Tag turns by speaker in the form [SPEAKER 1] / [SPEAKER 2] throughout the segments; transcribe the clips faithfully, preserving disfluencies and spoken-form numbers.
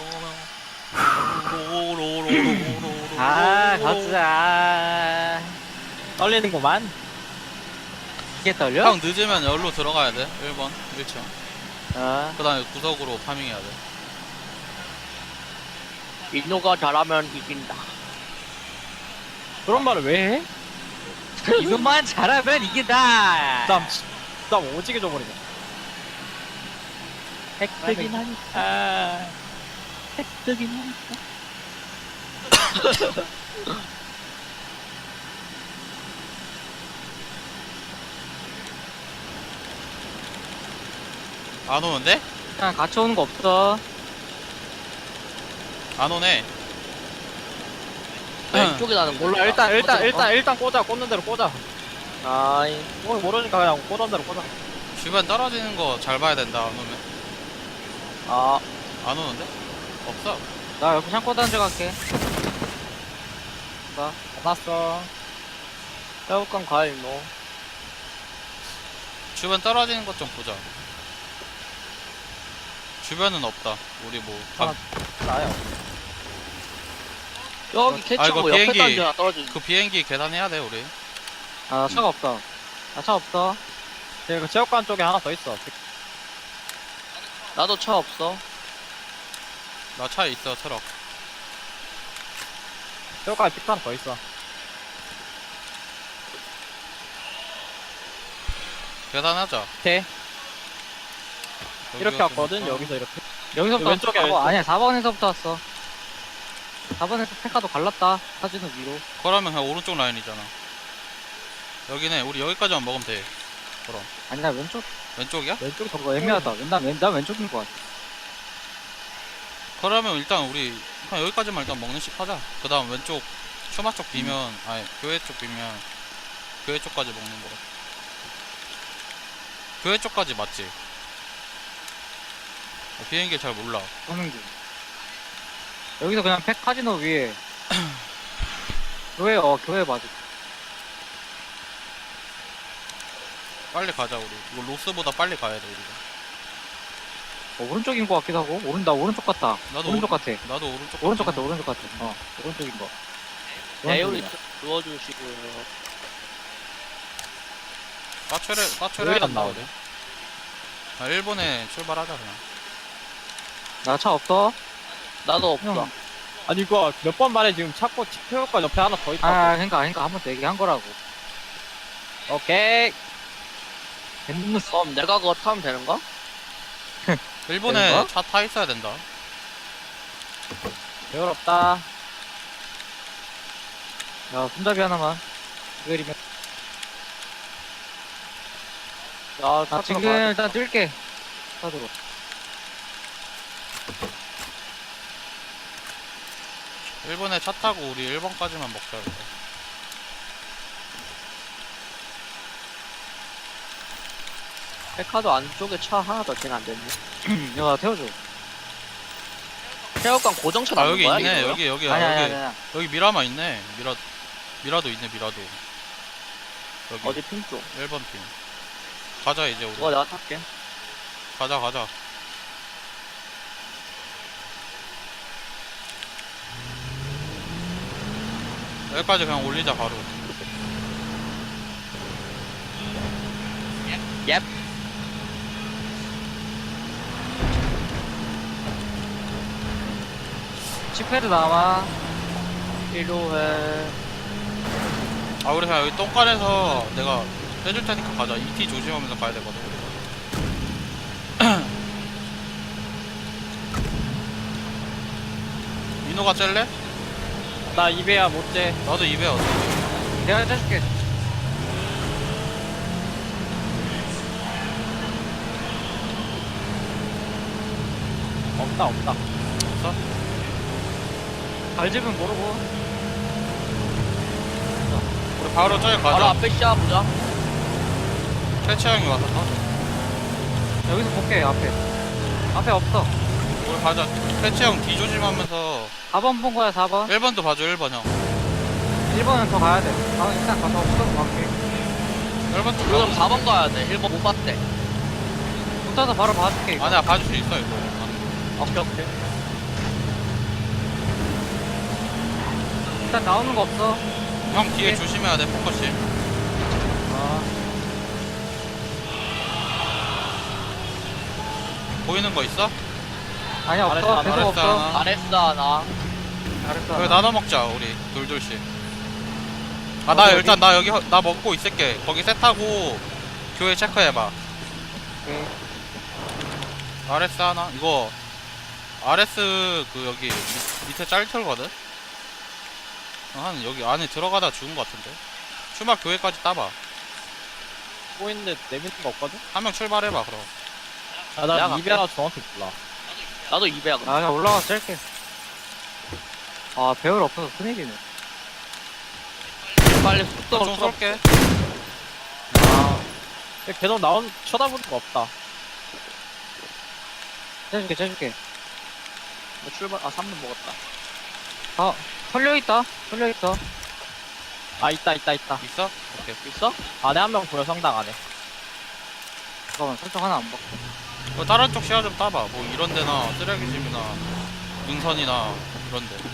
[SPEAKER 1] 아, 가자. 떨리는구만. 이게 떨려?
[SPEAKER 2] 형 늦으면 열로 들어가야 돼. 일 번 일 층.
[SPEAKER 1] 어.
[SPEAKER 2] 그 다음에 구석으로 파밍해야 돼.
[SPEAKER 3] 인노가 잘하면 이긴다.
[SPEAKER 1] 그런 말을 왜 해?
[SPEAKER 4] 이것만 잘하면 이긴다.
[SPEAKER 1] 땀, 땀 오지게 줘버리네.
[SPEAKER 4] 획득이나
[SPEAKER 1] 아,
[SPEAKER 4] 획득이나.
[SPEAKER 2] 안 오는데?
[SPEAKER 4] 그냥 같이 오는 거 없어.
[SPEAKER 2] 안 오네.
[SPEAKER 3] 왼쪽에 나는 몰라.
[SPEAKER 1] 몰라, 일단, 일단,
[SPEAKER 3] 어디-
[SPEAKER 1] 일단, 일단 꽂아. 꽂는 대로 꽂아.
[SPEAKER 3] 아이,
[SPEAKER 1] 뭐, 모르니까 그냥 꽂은 대로 꽂아.
[SPEAKER 2] 주변 떨어지는 거 잘 봐야 된다. 안 오면.
[SPEAKER 3] 아,
[SPEAKER 2] 안 오는데? 없어.
[SPEAKER 4] 나 옆에 창고 던져갈게.
[SPEAKER 1] 끝났어.
[SPEAKER 3] 새우깡 가 인노.
[SPEAKER 2] 주변 떨어지는 것 좀 보자. 주변은 없다. 우리 뭐 감-
[SPEAKER 1] 아. 나요.
[SPEAKER 3] 여기
[SPEAKER 2] 아,
[SPEAKER 3] 캐치하고
[SPEAKER 2] 이거
[SPEAKER 3] 옆에
[SPEAKER 2] 비행기-
[SPEAKER 3] 던지나 떨어지.
[SPEAKER 2] 그 비행기 계단해야 돼 우리.
[SPEAKER 4] 아, 차가 없다. 나 차 없어.
[SPEAKER 1] 그 체육관 쪽에 하나 더 있어.
[SPEAKER 3] 나도 차 없어.
[SPEAKER 2] 나 차에 있어 트럭.
[SPEAKER 1] 체육관에 픽 하나 더 있어.
[SPEAKER 2] 계단하자.
[SPEAKER 1] 오케이. 이렇게
[SPEAKER 2] 여기가
[SPEAKER 1] 왔거든,
[SPEAKER 2] 좀- 어.
[SPEAKER 1] 여기서 이렇게.
[SPEAKER 4] 여기서부터
[SPEAKER 1] 왼쪽에
[SPEAKER 4] 왔어. 사 번,
[SPEAKER 1] 왼쪽.
[SPEAKER 4] 아니야, 사 번에서부터 왔어. 사 번에서 페카도 갈랐다. 사진은 위로.
[SPEAKER 2] 그러면 그냥 오른쪽 라인이잖아. 여기네. 우리 여기까지만 먹으면 돼. 그럼
[SPEAKER 4] 아니야, 왼쪽.
[SPEAKER 2] 왼쪽이야?
[SPEAKER 1] 왼쪽
[SPEAKER 4] 저거 애매하다. 난, 왼, 난 왼쪽인 것 같아.
[SPEAKER 2] 그러면 일단 우리 그냥 여기까지만 일단 먹는 식 하자. 그 다음 왼쪽 추마 쪽 비면 아니 교회 쪽 비면 교회 쪽까지 먹는 거. 교회 쪽까지 맞지? 어, 비행기 잘 몰라.
[SPEAKER 4] 오는 길. 여기서 그냥 팩 카지노 위에. 교회, 어, 교회 맞아.
[SPEAKER 2] 빨리 가자 우리. 이거 로스보다 빨리 가야 돼 우리가.
[SPEAKER 4] 어, 오른쪽인 것 같기도 하고. 오른, 나 오른쪽 같다.
[SPEAKER 2] 나도
[SPEAKER 4] 오른쪽
[SPEAKER 2] 오른-
[SPEAKER 4] 같아.
[SPEAKER 2] 나도 오른쪽.
[SPEAKER 4] 오른쪽 같아,
[SPEAKER 2] 같아.
[SPEAKER 4] 오른쪽 같아. 어, 오른쪽인 거.
[SPEAKER 3] 에어리
[SPEAKER 4] 오른쪽이야.
[SPEAKER 3] 누워주시고요.
[SPEAKER 2] 까출해 까출해
[SPEAKER 1] 왜 안
[SPEAKER 2] 된다
[SPEAKER 1] 나오지?
[SPEAKER 2] 우리. 아 일본에 출발하자 그냥.
[SPEAKER 4] 나 차 없어?
[SPEAKER 3] 나도 없어.
[SPEAKER 4] 형.
[SPEAKER 1] 아니, 이거 몇 번 말해, 지금 찾고 체육관 옆에 하나 더 있다.
[SPEAKER 4] 아, 그니까, 그니까 한 번 더 얘기한 거라고.
[SPEAKER 1] 오케이.
[SPEAKER 4] 뱀무스.
[SPEAKER 3] 그럼 내가 그거 타면 되는가?
[SPEAKER 2] 일본에
[SPEAKER 4] 되는
[SPEAKER 2] 차 타 있어야 된다.
[SPEAKER 1] 배울없다.
[SPEAKER 4] 야, 손잡이 하나만. 그리면.
[SPEAKER 3] 야, 차
[SPEAKER 4] 아, 지금
[SPEAKER 3] 들어가.
[SPEAKER 4] 일단 뛸게. 차도로.
[SPEAKER 2] 일본에 차 타고 우리 일 번까지만 먹자 이거.
[SPEAKER 3] 백화도 안쪽에 차 하나 더 지나 안 됐네.
[SPEAKER 4] 야, 나 태워줘.
[SPEAKER 3] 새우깡 고정차
[SPEAKER 2] 아
[SPEAKER 3] 남은
[SPEAKER 2] 여기
[SPEAKER 3] 거야?
[SPEAKER 2] 있네.
[SPEAKER 3] 이거요?
[SPEAKER 2] 여기 여기
[SPEAKER 4] 아니야, 아니야,
[SPEAKER 2] 여기
[SPEAKER 4] 아니야.
[SPEAKER 2] 여기 미라마 있네. 미라 미라도 있네. 미라도. 여기
[SPEAKER 3] 어디 핀 쪽?
[SPEAKER 2] 일 번 팀. 가자 이제 우리.
[SPEAKER 3] 그거 내가 탈게.
[SPEAKER 2] 가자 가자. 여기까지 그냥 올리자 바로.
[SPEAKER 3] 옙.
[SPEAKER 4] 칩패드 남아.
[SPEAKER 3] 필요해.
[SPEAKER 2] 아 우리 그냥 여기 똥간에서 내가 빼줄 테니까 가자. 이티 조심하면서 가야 되거든 우리가. 민호가 짤래?
[SPEAKER 1] 나 이베야 못 재.
[SPEAKER 2] 나도 입에 어때?
[SPEAKER 4] 내가 짜줄게.
[SPEAKER 1] 없다, 없다.
[SPEAKER 2] 없어?
[SPEAKER 4] 갈집은 모르고.
[SPEAKER 2] 우리 바로 저기
[SPEAKER 3] 바로
[SPEAKER 2] 가자.
[SPEAKER 3] 앞에 시작보자.
[SPEAKER 2] 태치 형이 와서 타.
[SPEAKER 4] 여기서 볼게, 앞에. 앞에 없어.
[SPEAKER 2] 우리 가자. 태치 형 뒤 조심하면서
[SPEAKER 4] 사 번 본 거야, 사 번.
[SPEAKER 2] 일 번도 봐줘. 일 번 형.
[SPEAKER 4] 일 번은 더 가야 돼. 아, 일단 가서 없어서 갈게.
[SPEAKER 2] 일 번도
[SPEAKER 3] 그럼
[SPEAKER 2] 봐.
[SPEAKER 3] 사 번 가야 돼. 일 번 못 봤대.
[SPEAKER 4] 붙어서 바로 봐줄게. 이거.
[SPEAKER 2] 아니야 봐줄 수 있어 이거.
[SPEAKER 3] 오케이, 오케이.
[SPEAKER 4] 일단 나오는 거 없어.
[SPEAKER 2] 형 뒤에
[SPEAKER 4] 오케이.
[SPEAKER 2] 조심해야 돼 포커싱.
[SPEAKER 4] 아,
[SPEAKER 2] 보이는 거 있어?
[SPEAKER 4] 아니 없어.
[SPEAKER 1] 알았어,
[SPEAKER 4] 계속
[SPEAKER 2] 알았어,
[SPEAKER 4] 없어.
[SPEAKER 2] 하나.
[SPEAKER 3] 아레스 하나.
[SPEAKER 4] 잘했어.
[SPEAKER 2] 여기 나눠 먹자 우리 둘둘씩. 아 나
[SPEAKER 4] 어디,
[SPEAKER 2] 일단 나 여기 허- 나 먹고 있을게. 거기 셋하고 교회 체크해봐.
[SPEAKER 4] 오케이.
[SPEAKER 2] 아레스 하나. 이거 아레스 그 여기 밑, 밑에 짤틀거든. 한 여기 안에 들어가다 죽은 거 같은데. 추막 교회까지 따봐.
[SPEAKER 1] 보이는데 내미는 거 없거든?
[SPEAKER 2] 한 명 출발해봐 그럼.
[SPEAKER 1] 아,
[SPEAKER 3] 내가
[SPEAKER 1] 나
[SPEAKER 3] 갈게.
[SPEAKER 1] 이베라 정확히 몰라.
[SPEAKER 3] 나도 이백야 그럼.
[SPEAKER 4] 아, 그냥 올라가서 짤게. 아, 배울 없어서 큰일이네.
[SPEAKER 3] 빨리
[SPEAKER 2] 좀
[SPEAKER 3] 속도를
[SPEAKER 2] 쏠게.
[SPEAKER 1] 아. 계속 나온, 쳐다보는 거 없다.
[SPEAKER 4] 째줄게, 째줄게.
[SPEAKER 3] 뭐 출발. 아 삼 분 먹었다.
[SPEAKER 4] 아, 털려있다. 털려있어.
[SPEAKER 1] 아, 있다, 있다, 있다.
[SPEAKER 2] 있어? 오케이.
[SPEAKER 3] 있어?
[SPEAKER 1] 안에 한 명 보여, 성당 안에.
[SPEAKER 4] 잠깐만, 설정 하나 안 바꿔.
[SPEAKER 2] 뭐 다른 쪽 시야 좀 따봐. 뭐 이런 데나 쓰레기집이나 능선이나 이런 데.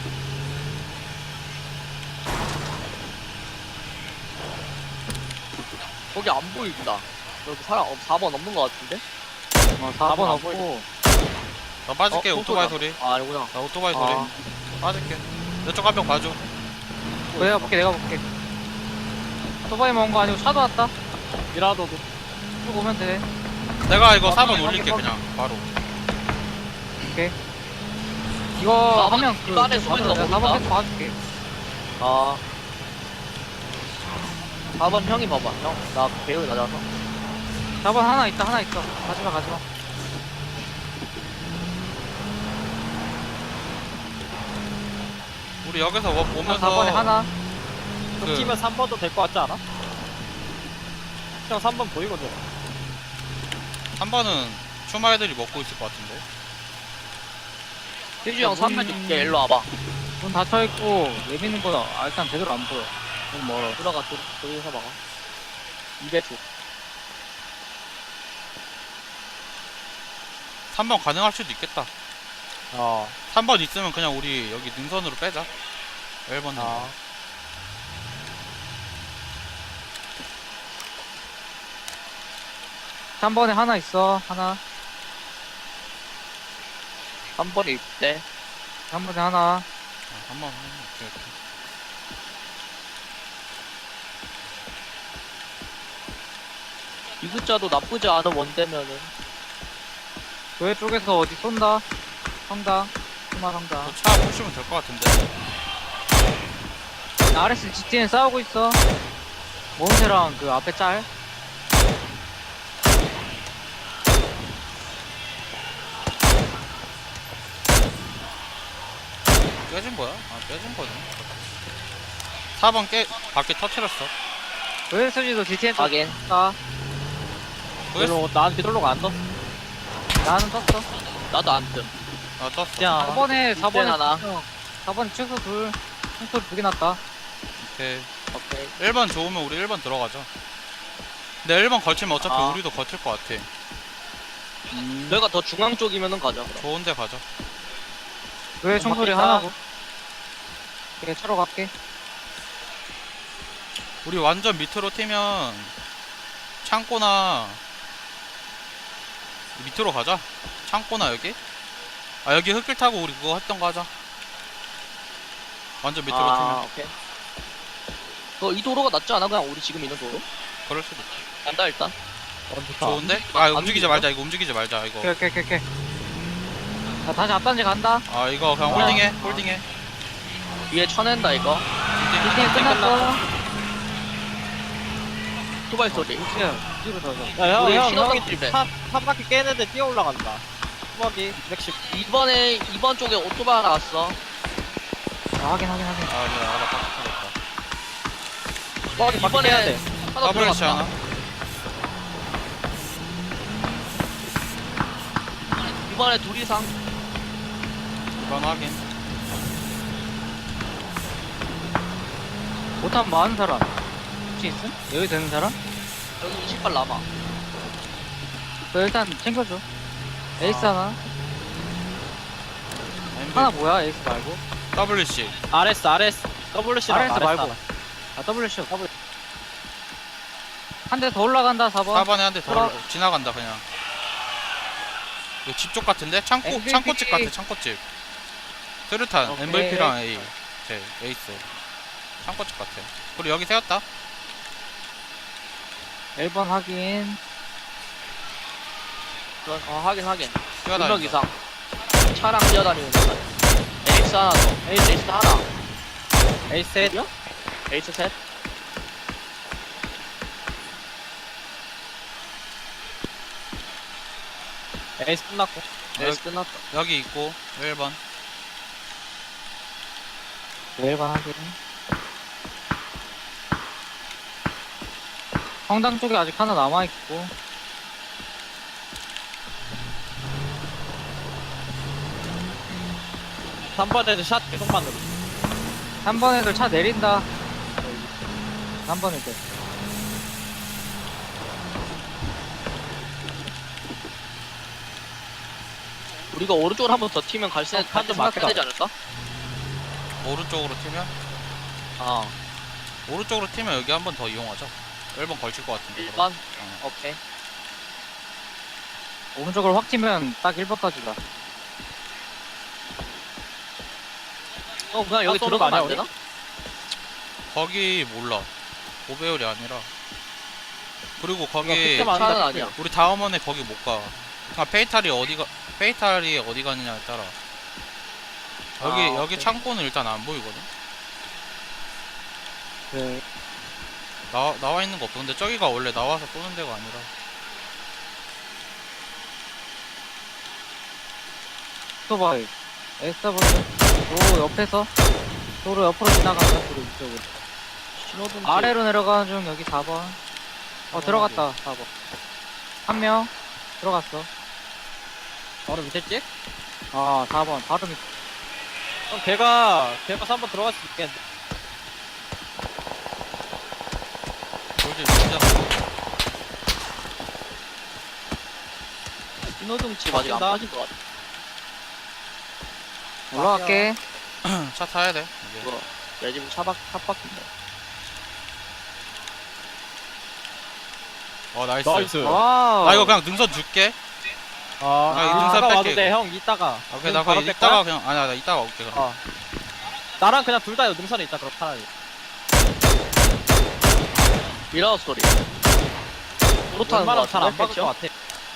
[SPEAKER 3] 거기 안 보인다. 여기 사람 없, 사 번 없는 거 같은데?
[SPEAKER 4] 어,
[SPEAKER 1] 사
[SPEAKER 4] 사 번
[SPEAKER 1] 번 안
[SPEAKER 4] 없고.
[SPEAKER 2] 나 빠질게.
[SPEAKER 3] 어,
[SPEAKER 2] 오토바이
[SPEAKER 3] 소리다.
[SPEAKER 2] 소리.
[SPEAKER 3] 아 아니구나.
[SPEAKER 2] 나 오토바이 소리.
[SPEAKER 4] 아,
[SPEAKER 2] 빠질게. 내 쪽 한 명 봐줘.
[SPEAKER 4] 내가 볼게, 내가 볼게. 오토바이 먹은 거 아니고 차도 왔다.
[SPEAKER 1] 미라도도.
[SPEAKER 4] 쭉 오면 돼.
[SPEAKER 2] 내가 이거
[SPEAKER 4] 어,
[SPEAKER 2] 사 번
[SPEAKER 4] 확인,
[SPEAKER 2] 올릴게
[SPEAKER 4] 확인.
[SPEAKER 2] 그냥 바로.
[SPEAKER 4] 이거
[SPEAKER 3] 아,
[SPEAKER 4] 하면 그.
[SPEAKER 3] 이거 안에 숨어 있는 거
[SPEAKER 4] 사 번
[SPEAKER 3] 모른다?
[SPEAKER 4] 계속 봐줄게.
[SPEAKER 3] 아. 사 번 형이 봐봐. 형, 나 배우 낮아서.
[SPEAKER 4] 사 번 하나 있다, 하나 있어. 가지마, 가지마.
[SPEAKER 2] 우리 여기서 워- 오면서
[SPEAKER 4] 사 번에 하나.
[SPEAKER 1] 그
[SPEAKER 2] 그-
[SPEAKER 1] 팀은 삼 번도 될 것 같지 않아? 형 삼 번 보이거든.
[SPEAKER 2] 한 번은 추마 애들이 먹고 있을 것 같은데.
[SPEAKER 3] 희주 형 삼 번
[SPEAKER 4] 문-
[SPEAKER 3] 줄게. 일로 와봐.
[SPEAKER 4] 문 닫혀있고, 내미는 거 아, 일단 제대로 안 보여. 너무 멀어.
[SPEAKER 3] 들어가, 저, 저기서 막아. 이백 초.
[SPEAKER 2] 삼 번 가능할 수도 있겠다.
[SPEAKER 1] 어.
[SPEAKER 2] 삼 번 있으면 그냥 우리 여기 능선으로 빼자. 일 번 능선.
[SPEAKER 1] 아.
[SPEAKER 4] 삼 번에 하나 있어, 하나.
[SPEAKER 3] 한 번에 입대.
[SPEAKER 4] 삼 번에 하나.
[SPEAKER 2] 아, 한 번. 오케이, 오케이.
[SPEAKER 3] 이 숫자도 나쁘지 않은 원대면은.
[SPEAKER 4] 교회 쪽에서 어디 쏜다. 성당. 수마 성당.
[SPEAKER 2] 저차 보시면 될 것 같은데.
[SPEAKER 4] 아르에스 지티엔 싸우고 있어. 몬세랑 그 앞에 짤.
[SPEAKER 2] 깨진 거야? 아, 깨진 거네. 사 번 깨, 바퀴 터트렸어.
[SPEAKER 4] 교회에서지도 지티엔
[SPEAKER 3] 하긴.
[SPEAKER 4] 떴다.
[SPEAKER 2] 그랬어?
[SPEAKER 1] 별로, 난 비돌로가 안 떴어.
[SPEAKER 4] 나는 떴어.
[SPEAKER 3] 나도 안 뜸.
[SPEAKER 2] 아, 떴어.
[SPEAKER 1] 그냥.
[SPEAKER 4] 사 번에, 사 번에.
[SPEAKER 3] 하나.
[SPEAKER 4] 사 번에 최소 둘. 총소리 두개 났다.
[SPEAKER 2] 오케이.
[SPEAKER 3] 오케이.
[SPEAKER 2] 일 번 좋으면 우리 일 번 들어가자. 근데 일 번 걸치면 어차피
[SPEAKER 3] 아.
[SPEAKER 2] 우리도 거칠 것 같아.
[SPEAKER 3] 너희가 더 중앙 쪽이면은 가자. 그럼.
[SPEAKER 2] 좋은데 가자.
[SPEAKER 4] 교회 총소리
[SPEAKER 3] 맞겠다.
[SPEAKER 4] 하나고. 오케이, 차로 갈게.
[SPEAKER 2] 우리 완전 밑으로 튀면 창고나 밑으로 가자. 창고나 여기? 아 여기 흙길 타고 우리 그거 했던 거 하자. 완전 밑으로
[SPEAKER 3] 아,
[SPEAKER 2] 튀면
[SPEAKER 3] 오케이. 너이 도로가 낫지 않아? 그냥 우리 지금 있는 도로?
[SPEAKER 2] 그럴 수도 있지.
[SPEAKER 3] 간다 일단.
[SPEAKER 1] 어, 좋다.
[SPEAKER 2] 좋은데? 아
[SPEAKER 3] 안
[SPEAKER 2] 움직이지
[SPEAKER 3] 움직여?
[SPEAKER 2] 말자. 이거 움직이지 말자. 이거.
[SPEAKER 4] 오케이, 오케이, 오케이, 오케이. 자, 다시 앞단지 간다.
[SPEAKER 2] 아 이거 그냥
[SPEAKER 3] 아.
[SPEAKER 2] 홀딩해. 홀딩해.
[SPEAKER 3] 위에 쳐낸다 이거.
[SPEAKER 4] 지티엔 끝났어.
[SPEAKER 3] 투바이 소리.
[SPEAKER 4] 우치야, 뒤로 더 줘.
[SPEAKER 1] 야, 형,
[SPEAKER 3] 우리
[SPEAKER 1] 형,
[SPEAKER 3] 신호등
[SPEAKER 1] 형이
[SPEAKER 3] 집에.
[SPEAKER 1] 한, 한 바퀴 깨는데 뛰어 올라간다. 수박이 이백십.
[SPEAKER 3] 이번에 이번 쪽에 오토바이 하나 왔어.
[SPEAKER 4] 아, 확인, 확인, 확인.
[SPEAKER 2] 아 이제 알아. 딱 찾았다.
[SPEAKER 1] 수박이 바퀴 깨야
[SPEAKER 3] 이번에
[SPEAKER 1] 돼.
[SPEAKER 3] 하나
[SPEAKER 2] 더블리시
[SPEAKER 3] 들어갔다.
[SPEAKER 2] 하나.
[SPEAKER 3] 이번에 둘 이상.
[SPEAKER 2] 이번 확인.
[SPEAKER 4] 못하면 많은 사람. 혹시 있음? 여기 되는 사람?
[SPEAKER 3] 여기 이십 발 남아.
[SPEAKER 4] 너 일단 챙겨줘. 에이스
[SPEAKER 3] 아.
[SPEAKER 4] 하나.
[SPEAKER 2] 엠비.
[SPEAKER 4] 하나 뭐야, 에이스 말고?
[SPEAKER 2] 더블리시.
[SPEAKER 1] 아레스, 아레스. 더블유씨랑
[SPEAKER 4] 아레스 말고. 아, 더블유씨.
[SPEAKER 1] 더블
[SPEAKER 4] 한 대 더 올라간다, 사 번.
[SPEAKER 2] 사 번에 한 대 더
[SPEAKER 4] 들어.
[SPEAKER 2] 지나간다 그냥. 이거 집 쪽 같은데? 창고
[SPEAKER 4] 엠브이피.
[SPEAKER 2] 창고집 같아 창고집. 스르탄
[SPEAKER 3] 오케이.
[SPEAKER 2] 엠브이피랑 A. 제 에이스. 창고집 같아. 그리고 여기 세웠다.
[SPEAKER 4] 일 번 확인.
[SPEAKER 3] 어 확인 확인. 두 명
[SPEAKER 2] 뛰어다닌다.
[SPEAKER 3] 이상. 차랑 뛰어다니는 거. 에이스 하나 더. 에이스 에이스 하나.
[SPEAKER 1] 에이스 셋.
[SPEAKER 3] 에이스 셋.
[SPEAKER 1] 에이스 끝났고.
[SPEAKER 3] 에이스 끝났다.
[SPEAKER 2] 여기 있고 일 번.
[SPEAKER 4] 일 번 확인. 성당 쪽에 아직 하나 남아있고.
[SPEAKER 1] 삼 번에도 샷 계속 만들어.
[SPEAKER 4] 삼 번 애들 차 내린다. 삼 번 애들.
[SPEAKER 3] 우리가 오른쪽으로 한 번 더 튀면 갈색
[SPEAKER 1] 어,
[SPEAKER 3] 갈때
[SPEAKER 1] 한점
[SPEAKER 3] 생각해야
[SPEAKER 1] 맞다.
[SPEAKER 3] 되지 않을까?
[SPEAKER 2] 오른쪽으로 튀면
[SPEAKER 3] 어.
[SPEAKER 2] 오른쪽으로 튀면 여기 한 번 더 이용하자. 일 번 걸칠 것 같은데.
[SPEAKER 3] 일
[SPEAKER 2] 그럼.
[SPEAKER 3] 번.
[SPEAKER 2] 어.
[SPEAKER 3] 오케이.
[SPEAKER 4] 오른쪽으로 확 튀면 딱 일 번까지다.
[SPEAKER 3] 어 그냥 여기
[SPEAKER 1] 아, 쏘는 거
[SPEAKER 3] 들어가면 안
[SPEAKER 1] 아니야,
[SPEAKER 3] 되나?
[SPEAKER 2] 거기 몰라. 오배율이 아니라. 그리고 거기
[SPEAKER 1] 그때만
[SPEAKER 3] 차는
[SPEAKER 1] 한다,
[SPEAKER 3] 아니야.
[SPEAKER 2] 우리 다음원에 거기 못 가. 아 페이탈이 어디가 페이탈이 어디 가느냐에 따라. 여기
[SPEAKER 3] 아,
[SPEAKER 2] 여기
[SPEAKER 3] 오케이.
[SPEAKER 2] 창고는 일단 안 보이거든.
[SPEAKER 4] 네.
[SPEAKER 2] 나와 나와 있는 거 없어. 근데 저기가 원래 나와서 쏘는 데가 아니라.
[SPEAKER 4] 오토바이. 에스더블유. 도 옆에서. 도로 옆으로 지나간다. 도로 이쪽으로.
[SPEAKER 3] 신호등
[SPEAKER 4] 아래로 내려가는 중 여기 사 번. 어, 들어갔다. 사 번. 한 명. 들어갔어.
[SPEAKER 1] 바로 밑에 찍?
[SPEAKER 4] 아, 사 번. 바로 밑.
[SPEAKER 1] 그럼 걔가 걔가 삼 번 들어갈 수 있겠는데.
[SPEAKER 2] 돌지 진짜.
[SPEAKER 3] 신호등 집 아직 안
[SPEAKER 1] 바뀐다.
[SPEAKER 3] 빠진 것 같아.
[SPEAKER 4] 올라갈게.
[SPEAKER 2] 차 타야 돼. 이제.
[SPEAKER 3] 이거 내 집은 차박 차박인데.
[SPEAKER 2] 어 나이스.
[SPEAKER 1] 나이스.
[SPEAKER 4] 와우.
[SPEAKER 2] 나 이거 그냥 능선 줄게.
[SPEAKER 1] 아,
[SPEAKER 2] 나
[SPEAKER 4] 이
[SPEAKER 1] 이따가
[SPEAKER 2] 등산
[SPEAKER 1] 와도
[SPEAKER 2] 뺄게,
[SPEAKER 1] 돼,
[SPEAKER 2] 이거.
[SPEAKER 1] 형. 이따가.
[SPEAKER 2] 오케이
[SPEAKER 1] 응,
[SPEAKER 2] 나
[SPEAKER 1] 바로
[SPEAKER 2] 그냥
[SPEAKER 1] 뺄
[SPEAKER 2] 이따가
[SPEAKER 1] 거야?
[SPEAKER 2] 그냥 아니야 나 이따가 올게 그럼.
[SPEAKER 1] 어. 나랑 그냥 둘 다 능선에 있자, 그럼 차라리.
[SPEAKER 3] 미라우 소리. 도로 타는 거
[SPEAKER 1] 웬만하면 잘안
[SPEAKER 3] 같은데?
[SPEAKER 1] 박을 것
[SPEAKER 3] 그쵸?
[SPEAKER 1] 같아.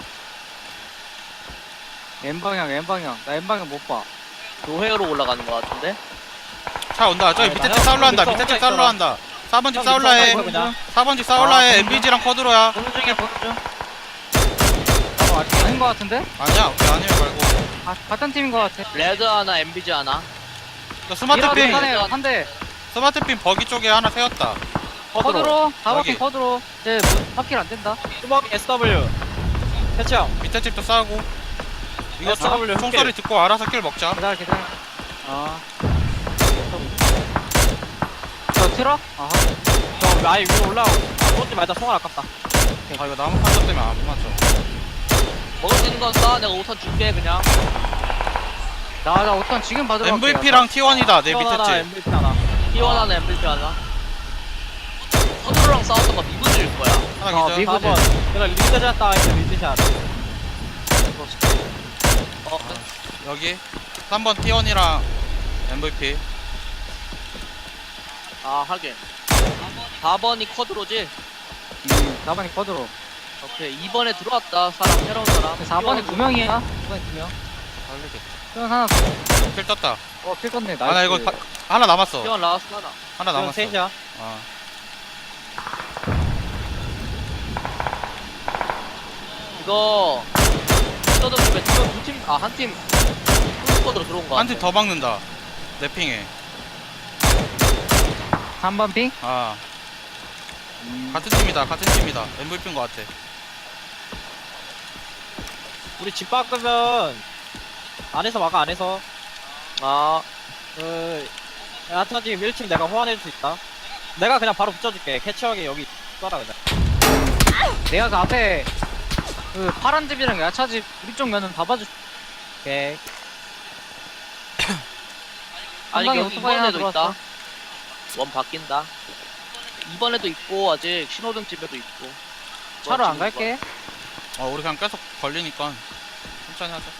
[SPEAKER 4] N방향, N방향. 나 N방향 못 봐.
[SPEAKER 3] 교회로 올라가는 거 같은데?
[SPEAKER 2] 차 온다. 저기
[SPEAKER 1] 아니,
[SPEAKER 2] 밑에
[SPEAKER 1] 나
[SPEAKER 2] 집
[SPEAKER 1] 형,
[SPEAKER 2] 싸울라 한다.
[SPEAKER 1] 능선
[SPEAKER 2] 밑에 집
[SPEAKER 1] 혼자
[SPEAKER 2] 싸울라
[SPEAKER 1] 있어라.
[SPEAKER 2] 한다. 사 번 집
[SPEAKER 1] 형,
[SPEAKER 2] 싸울라 해.
[SPEAKER 1] 능선 그냥.
[SPEAKER 2] 사 번 집 싸울라
[SPEAKER 4] 아,
[SPEAKER 2] 해.
[SPEAKER 4] 보는
[SPEAKER 2] 엠비지랑 커드로야.
[SPEAKER 4] 보는 중에 보는 중. 어, 아직 아닌 것 같은데?
[SPEAKER 2] 아니야. 오케이 아니야 말고.
[SPEAKER 4] 아, 같은 팀인 것 같아.
[SPEAKER 3] 레드 하나, 엠비지 하나.
[SPEAKER 2] 나 스마트핀
[SPEAKER 3] 이러면-
[SPEAKER 4] 한 대, 한 대.
[SPEAKER 2] 스마트핀 버기 쪽에 하나 세웠다.
[SPEAKER 4] 커드로. 다
[SPEAKER 2] 여기.
[SPEAKER 4] 바퀴 커드로. 이제 뭐, 바퀴를 안 된다.
[SPEAKER 1] 수박 에스더블유. 캐치 형.
[SPEAKER 2] 밑에 집도 싸우고. 이거
[SPEAKER 1] 에스 더블유
[SPEAKER 2] 총, 총소리 듣고 알아서 길 먹자.
[SPEAKER 4] 기다려, 기다려. 아. 저 트럭? 아,
[SPEAKER 1] 저 아예 위로 올라오고. 쏘지 말자, 총알 아깝다.
[SPEAKER 2] 아 이거 나무 판자 때문에 안 맞죠.
[SPEAKER 3] 먹을 수 있는 건 싸. 내가 오선 줄게 그냥.
[SPEAKER 4] 나, 나 우선 지금 받으러 갈게.
[SPEAKER 2] 엠브이피랑 티 원이다. 내 밑에
[SPEAKER 1] 하나,
[SPEAKER 2] 집.
[SPEAKER 1] 엠브이피 하나.
[SPEAKER 3] T1 하나, 엠비지 하나. 서두로랑 싸웠던 거 미분일 거야.
[SPEAKER 2] 하나
[SPEAKER 4] 어,
[SPEAKER 2] 기절.
[SPEAKER 4] 미국-
[SPEAKER 1] 사 번. 내가 리드샷 따가있어, 리드샷.
[SPEAKER 3] 어,
[SPEAKER 2] 여기 삼 번 티 원이랑 엠브이피.
[SPEAKER 3] 아 하긴. 사 번이 쿼드로지?
[SPEAKER 4] 음, 사 번이 커드로.
[SPEAKER 3] 오케이. 이 번에 들어왔다. 사람, 새로운 사람.
[SPEAKER 4] 사 번에 두 명이야. 사 번에 두 명.
[SPEAKER 2] 살리겠다.
[SPEAKER 4] 형 하나 더.
[SPEAKER 2] 킬 떴다.
[SPEAKER 4] 어, 필 건네. 나이스.
[SPEAKER 2] 아 나 이거 바, 하나 남았어.
[SPEAKER 3] T1 라스트 하나.
[SPEAKER 2] 하나
[SPEAKER 1] 이건
[SPEAKER 2] 남았어.
[SPEAKER 1] 셋이야.
[SPEAKER 2] 아.
[SPEAKER 3] 이거 스터드 집에 두명 두팀 아 한 팀 풀스쿼드로 들어온 거
[SPEAKER 2] 한
[SPEAKER 3] 같아.
[SPEAKER 2] 팀 더 박는다. 내 핑에.
[SPEAKER 4] 삼 번 핑?
[SPEAKER 2] 아
[SPEAKER 4] 음.
[SPEAKER 2] 같은 팀이다. 같은 팀이다. 엠브이피인 것 같아.
[SPEAKER 1] 우리 집 바꾸면 안에서 막아, 안에서.
[SPEAKER 3] 아
[SPEAKER 1] 그, 야타 지금 일 층 내가 호환해줄 수 있다. 내가 그냥 바로 붙여줄게. 캐치형이 여기 쏴라, 그냥.
[SPEAKER 4] 내가 그 앞에 그 파란 집이랑 야차집 우리 쪽 면은 다 봐줄.
[SPEAKER 1] 오케이.
[SPEAKER 3] 아니
[SPEAKER 4] 한 방에
[SPEAKER 3] 여기
[SPEAKER 4] 오토바이 하나
[SPEAKER 3] 이번에도 있다.
[SPEAKER 4] 들어왔어.
[SPEAKER 3] 원 바뀐다. 이번에도 있고 아직 신호등 집에도 있고.
[SPEAKER 4] 차로 안
[SPEAKER 3] 지금
[SPEAKER 4] 갈게.
[SPEAKER 2] 어 우리 그냥 계속 걸리니까 천천히 하자.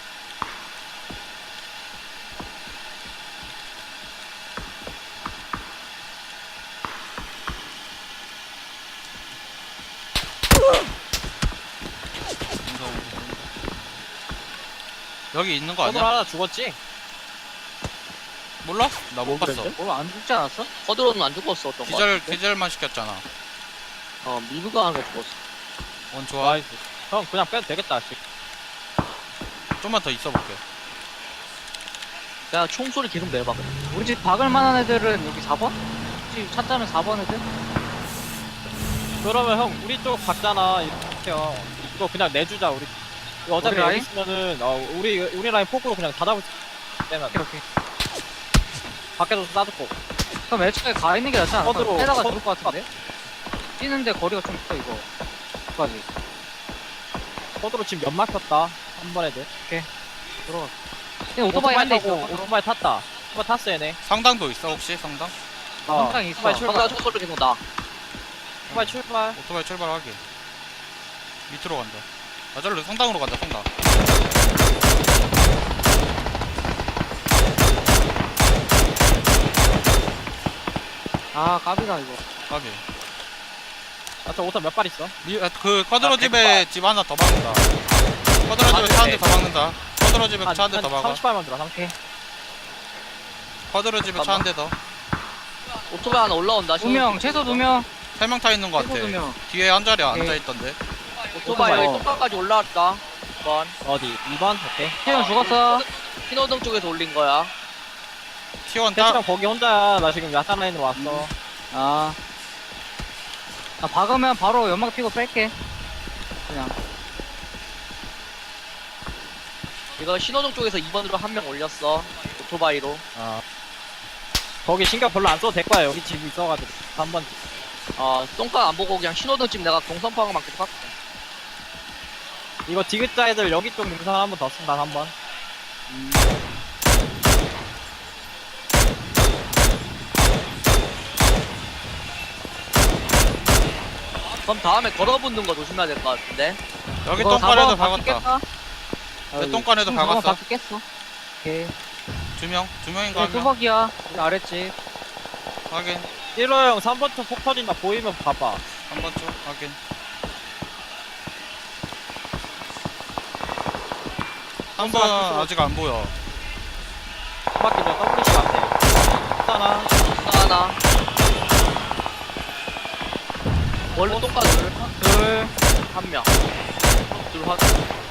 [SPEAKER 2] 여기 있는 거
[SPEAKER 1] 오늘
[SPEAKER 2] 아니야?
[SPEAKER 1] 하나 죽었지?
[SPEAKER 2] 몰라? 나 못 봤어.
[SPEAKER 1] 그랬는데?
[SPEAKER 4] 오늘 안 죽지 않았어?
[SPEAKER 3] 커드로는 안 죽었어 어떤 거.
[SPEAKER 2] 기절 기절만 시켰잖아.
[SPEAKER 3] 어 미브가 하나 죽었어.
[SPEAKER 2] 원 좋아.
[SPEAKER 1] 나이스. 형 그냥 빼도 되겠다. 씨.
[SPEAKER 2] 좀만 더 있어 볼게.
[SPEAKER 3] 야 총소리 계속 내봐. 그래.
[SPEAKER 4] 우리 집 박을 만한 애들은 여기 사 번? 집 찾자면 사 번 애들?
[SPEAKER 1] 그러면 형 우리 쪽 갔잖아. 이렇게 형. 이거 그냥 내주자 우리. 이거 어차피
[SPEAKER 4] 우리
[SPEAKER 1] 여기
[SPEAKER 4] 라인?
[SPEAKER 1] 있으면은 어, 우리 우리 라인 포크로 그냥 다 잡을 수 있으면
[SPEAKER 4] 오케이 오케이.
[SPEAKER 1] 밖에서 쏴주고.
[SPEAKER 4] 그럼 애초에 가 있는 게 낫지 않아?
[SPEAKER 1] 커드로,
[SPEAKER 4] 빼다가
[SPEAKER 1] 커드-
[SPEAKER 4] 죽을 것 같은데? 뛰는데 거리가 좀 있어 이거. 끝까지.
[SPEAKER 1] 코드로 지금 연 막혔다. 한 번에 돼.
[SPEAKER 4] 들어가. 그냥 오토바이 한 대 있어.
[SPEAKER 1] 타고 오토바이 탔다. 오토바이 탔어 얘네.
[SPEAKER 2] 상당도 있어 혹시 상당?
[SPEAKER 1] 어,
[SPEAKER 4] 상당히 있어.
[SPEAKER 1] 오토바이 출발.
[SPEAKER 3] 방금 총소리 계속 나.
[SPEAKER 1] 오토바이 출발.
[SPEAKER 2] 오토바이 출발하기. 밑으로 간다. 아 저로 성당으로 간다 성당.
[SPEAKER 4] 아 까비다 이거.
[SPEAKER 2] 가비.
[SPEAKER 1] 아저 오토 몇 발 있어?
[SPEAKER 2] 미, 아, 그 커드로
[SPEAKER 3] 아,
[SPEAKER 2] 집에 집 하나 더 박는다. 커드로 집에 차 한 대 더 박는다. 커드로 집에 차 한 대 더 박아.
[SPEAKER 1] 삼십 발만 들어. 삼십.
[SPEAKER 2] 커드로 집에 차 한 대 더.
[SPEAKER 3] 오토바이 하나 올라온다.
[SPEAKER 4] 두 명, 최소 두 명.
[SPEAKER 2] 세 명 타 있는 거 같아.
[SPEAKER 4] 최소 두 명.
[SPEAKER 2] 뒤에 한 자리
[SPEAKER 4] 오케이.
[SPEAKER 2] 앉아 있던데.
[SPEAKER 3] 오토바이 여기
[SPEAKER 4] 오토바이.
[SPEAKER 3] 똥강까지 올라왔다. 이번
[SPEAKER 1] 어디? 이 번? 오케이.
[SPEAKER 4] 태현 죽었어.
[SPEAKER 3] 신호등 쪽에서 올린 거야.
[SPEAKER 2] T1 타.
[SPEAKER 1] 태수랑 거기 혼자야. 나 지금 야산 라인으로 왔어.
[SPEAKER 4] 아. 나 박으면 바로 연막 피고 뺄게. 그냥.
[SPEAKER 3] 이거 신호등 쪽에서 이 번으로 한 명 올렸어. 오토바이로.
[SPEAKER 1] 아. 거기 신경 별로 안 써도 될 거야. 여기 집 있어가지고. 한 번.
[SPEAKER 3] 어, 똥강 안 보고 그냥 신호등 집 내가 동선파악만 계속 할게.
[SPEAKER 1] 이거 디귿자 애들 여기 쪽 능선 한 번 더 쓴다. 한 번.
[SPEAKER 3] 그럼 다음에 걸어붙는 거 조심해야 될 것 같은데.
[SPEAKER 2] 여기
[SPEAKER 4] 이거
[SPEAKER 2] 똥간에도
[SPEAKER 4] 사 번
[SPEAKER 2] 박았다.
[SPEAKER 4] 바뀌겠다?
[SPEAKER 2] 내 똥간에도
[SPEAKER 4] 사 번
[SPEAKER 2] 박았어.
[SPEAKER 4] 바뀌겠어. 오케이.
[SPEAKER 2] 두 명, 두 명인가 한 명.
[SPEAKER 4] 뚜벅이야. 우리 아랫집.
[SPEAKER 2] 확인.
[SPEAKER 1] 일호 형 삼 번 쪽 폭 터진다. 보이면 봐봐.
[SPEAKER 2] 한 번 쭉 확인. 한 번 아직 안 보여.
[SPEAKER 1] 한 바퀴 전 더블유씨 같아. 있잖아.
[SPEAKER 3] 하나. 원래 똥강 둘.
[SPEAKER 1] 둘.
[SPEAKER 3] 한 명. 둘 확.